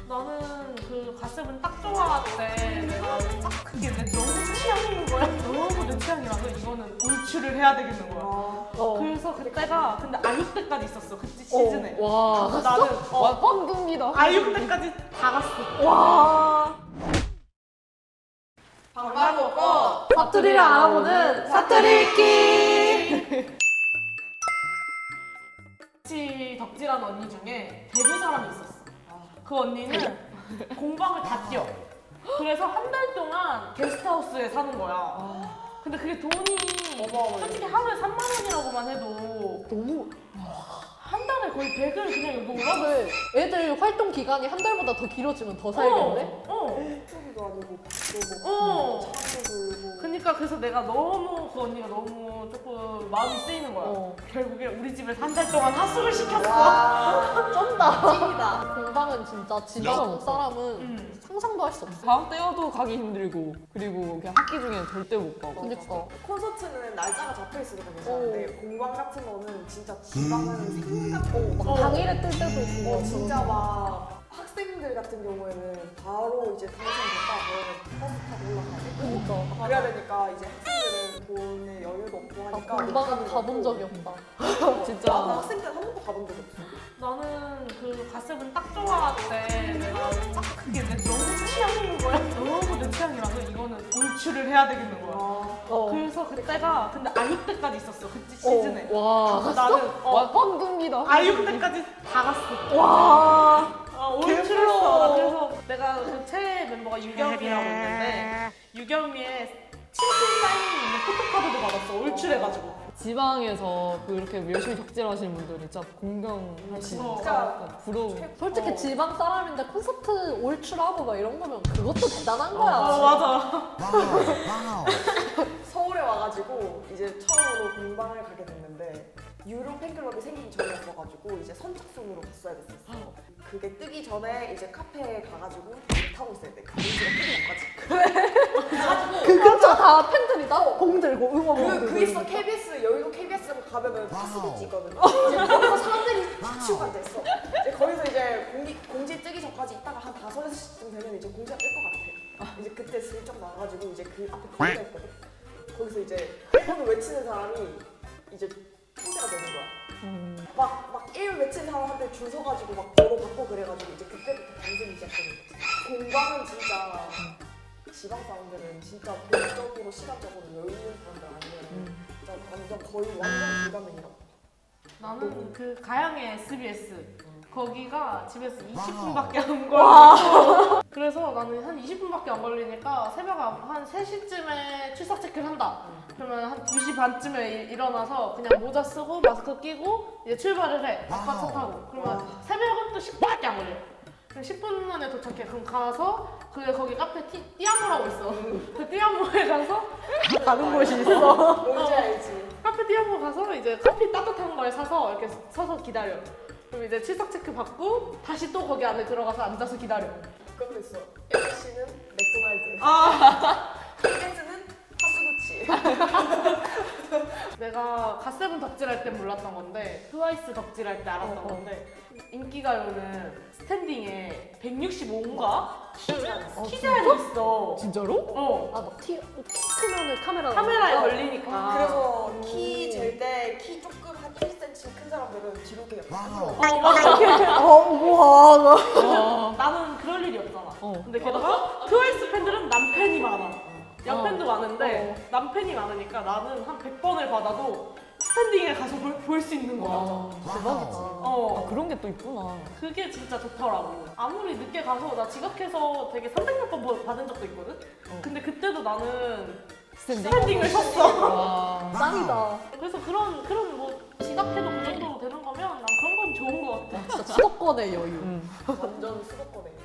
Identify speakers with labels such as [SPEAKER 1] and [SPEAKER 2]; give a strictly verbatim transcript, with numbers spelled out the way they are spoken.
[SPEAKER 1] 나는 그 가슴은 딱 좋아할 때 내가 딱 그게 내 너무 취향인 거야. 너무 내 취향이라서 이거는 올출을 해야 되겠는 거야.
[SPEAKER 2] 어.
[SPEAKER 1] 그래서 그때가 근데 아육 때까지 있었어. 그때 시즌에.
[SPEAKER 2] 와.
[SPEAKER 1] 그래서 나는 어,
[SPEAKER 2] 와, 황금이다.
[SPEAKER 1] 아육 때까지 다 갔어.
[SPEAKER 2] 와.
[SPEAKER 1] 방방곡곡
[SPEAKER 2] 사투리를 알아보는 사투리 읽기.
[SPEAKER 1] 같이 덕질한 언니 중에 데뷔 사람이 있었어. 그 언니는 공방을 다 뛰어. 그래서 한 달 동안 게스트하우스에 사는 거야. 근데 그게 돈이 솔직히 하루에 삼만 원이라고만 해도
[SPEAKER 2] 너무
[SPEAKER 1] 한 달에 거의 백을 그냥 이거 올라가.
[SPEAKER 2] 근데 애들 활동 기간이 한 달보다 더 길어지면 더 살겠네?
[SPEAKER 1] 어.
[SPEAKER 3] 도 아니고 밥도
[SPEAKER 1] 어.
[SPEAKER 3] 먹고 차도 들고
[SPEAKER 1] 그러니까 그래서 내가 너무 그 언니가 너무 조금 마음이 쓰이는 거야.
[SPEAKER 2] 어.
[SPEAKER 1] 결국에 우리 집에서 한 달 동안 하숙을 시켰어.
[SPEAKER 3] 와
[SPEAKER 2] 쩐다.
[SPEAKER 3] 찐이다.
[SPEAKER 2] 공방은 진짜 지방 사람은
[SPEAKER 1] 음.
[SPEAKER 2] 상상도 할 수 없어.
[SPEAKER 4] 다음 때여도 가기 힘들고 그리고 그냥 학기 중에는 절대 못 가고
[SPEAKER 2] 그니까.
[SPEAKER 3] 콘서트는 날짜가 잡혀 있으니까 괜찮은데 공방 같은 거는 진짜 지방은 생각
[SPEAKER 2] 막
[SPEAKER 1] 어.
[SPEAKER 2] 당일에 뜰 때도 있고.
[SPEAKER 3] 어 진짜 막 학생들 같은 경우에는 바로 이제 당첨 됐다 그러면 버스 타고 올라가야 되고
[SPEAKER 2] 그니까.
[SPEAKER 3] 그래야 되니까 이제 학생들은 돈에 여유도 없고
[SPEAKER 2] 나
[SPEAKER 3] 하니까
[SPEAKER 2] 공방은
[SPEAKER 3] 못
[SPEAKER 2] 가본
[SPEAKER 3] 가는
[SPEAKER 2] 적이
[SPEAKER 3] 거고.
[SPEAKER 2] 없다.
[SPEAKER 4] 진짜.
[SPEAKER 3] 나도 학생 때는 한 번도 가본 적이 없어.
[SPEAKER 1] 나는 그 가슴은 딱 좋아할 때 내가 딱 그게 내 너무 취향인 거야. 너무 내 취향이라서 이거는 올출을 해야 되겠는 거야.
[SPEAKER 2] 어.
[SPEAKER 1] 그래서 그때가 근데 아육 때까지 있었어. 그때 시즌에.
[SPEAKER 4] 와,
[SPEAKER 1] 그래서 나는
[SPEAKER 4] 와
[SPEAKER 1] 어,
[SPEAKER 4] 황금이다.
[SPEAKER 1] 아육 때까지 다 갔어.
[SPEAKER 2] 와.
[SPEAKER 1] 어, 올출했어. 그래서 내가 그 최애 멤버가 유겸이라고 있는데 유겸이의 친필 사인 있는 포토카드도 받았어. 올출해가지고.
[SPEAKER 4] 지방에서 그렇게 열심히 덕질하시는 분들이 진짜 공경하시는
[SPEAKER 1] 어.
[SPEAKER 4] 진짜 부러워.
[SPEAKER 2] 솔직히
[SPEAKER 3] 어.
[SPEAKER 2] 지방 사람인데 콘서트 올출하고 막 이런 거면 그것도 대단한 거야.
[SPEAKER 1] 어, 맞아.
[SPEAKER 3] 서울에 와가지고 이제 처음으로 공방을 가게 됐는데 유료 팬클럽이 생기기 전이었어가지고 이제 선착순으로 갔어야 됐었어. 그게 뜨기 전에 이제 카페에 가가지고 배 타고 있어야 돼. 그 문제가 뜨기 전까지. 그래가지고
[SPEAKER 2] 그 근처 다 팬들이다? 봉 들고 응원
[SPEAKER 3] 그,
[SPEAKER 2] 들고
[SPEAKER 3] 그 있어 케이비에스 여의도 케이비에스 가면은 파스비치 있거든. 이제 거기서 사람들이 다 치고 앉아 있어. 이제 거기서 이제 공기, 공지 뜨기 전까지 있다가 한 다섯 여섯 시쯤 되면 이제 공지가 뜰 것 같아. 이제 그때 슬쩍 나와가지고 이제 그 앞에 가앉아 있거든. 거기서 이제 번호 외치는 사람이 이제 상대가 되는 거야.
[SPEAKER 4] 음.
[SPEAKER 3] 막, 막 이름 외치는 사람한테 줄 서가지고 막 번호 받고 그래가지고 이제 그때부터 방송이 시작되는 거지. 공방은 진짜 지방 사람들은 진짜 돈적으로 시간적으로 여유 있는 사람들 아니면 진짜 완전 거의 완전 불가능이라고.
[SPEAKER 1] 나는 그 가양의 에스비에스 거기가 집에서 이십 분밖에 안 걸려. 그래서 나는 한 이십 분밖에 안 걸리니까 새벽 한 세 시쯤에 출석 체크를 한다. 그러면 한 두 시 반쯤에 일- 일어나서 그냥 모자 쓰고 마스크 끼고 이제 출발을 해. 아빠 차 타고. 그러면 새벽은 또 십 분밖에 안 걸려. 그럼 십 분 안에 도착해. 그럼 가서 그 거기 카페 티, 띠아모라고 있어. 그 띠아모에 가서 가는 곳이 있어.
[SPEAKER 3] 뭔지 알지?
[SPEAKER 1] 카페 띠아모 가서 이제 커피 따뜻한 걸 사서 이렇게 서서 기다려. 그럼 이제 출석 체크 받고 다시 또 거기 안에 들어가서 앉아서 기다려.
[SPEAKER 3] 그것도 있어. 엠씨는 맥도날드.
[SPEAKER 1] 아
[SPEAKER 3] 케이비에스는 파스구치.
[SPEAKER 1] 내가 갓세븐 덕질할 땐 몰랐던 건데 트와이스 덕질할 때 알았던
[SPEAKER 2] 어, 어.
[SPEAKER 1] 건데 인기가요는 스탠딩에 백육십오인가?
[SPEAKER 2] 어,
[SPEAKER 1] 키제한이 있어.
[SPEAKER 4] 진짜로?
[SPEAKER 1] 어.
[SPEAKER 2] 아, 막 티, 키 크면은 카메라.
[SPEAKER 1] 카메라에 걸리니까.
[SPEAKER 3] 그래서
[SPEAKER 2] 음.
[SPEAKER 3] 키 잴 때 키 조금 한 일 센티미터 큰 사람들은 뒤로 그냥 쭉
[SPEAKER 1] 어 맞아.
[SPEAKER 2] 어, 우와.
[SPEAKER 4] 와.
[SPEAKER 1] 나는 그럴 일이 없잖아.
[SPEAKER 4] 어.
[SPEAKER 1] 근데 게다가 트와이스 팬들은 남팬이 많아. 여팬도
[SPEAKER 2] 어.
[SPEAKER 1] 많은데 남팬이 많으니까 나는 한 백 번을 받아도 스탠딩에 가서 볼 수 있는 거야.
[SPEAKER 4] 와,
[SPEAKER 2] 대박이다.
[SPEAKER 1] 어.
[SPEAKER 4] 아, 그런 게 또 있구나.
[SPEAKER 1] 그게 진짜 좋더라고. 아무리 늦게 가서 나 지각해서 되게 삼백몇 번 받은 적도 있거든? 근데 그때도 나는
[SPEAKER 4] 스탠딩?
[SPEAKER 1] 스탠딩을 섰어.
[SPEAKER 4] 와.
[SPEAKER 2] 짱이다.
[SPEAKER 1] 그래서 그런, 그런 뭐 지각해도 그 정도로 되는 거면 난 그런 건 좋은 것 같아.
[SPEAKER 2] 진짜 수도권의 여유.
[SPEAKER 4] 음.
[SPEAKER 3] 완전 수도권에.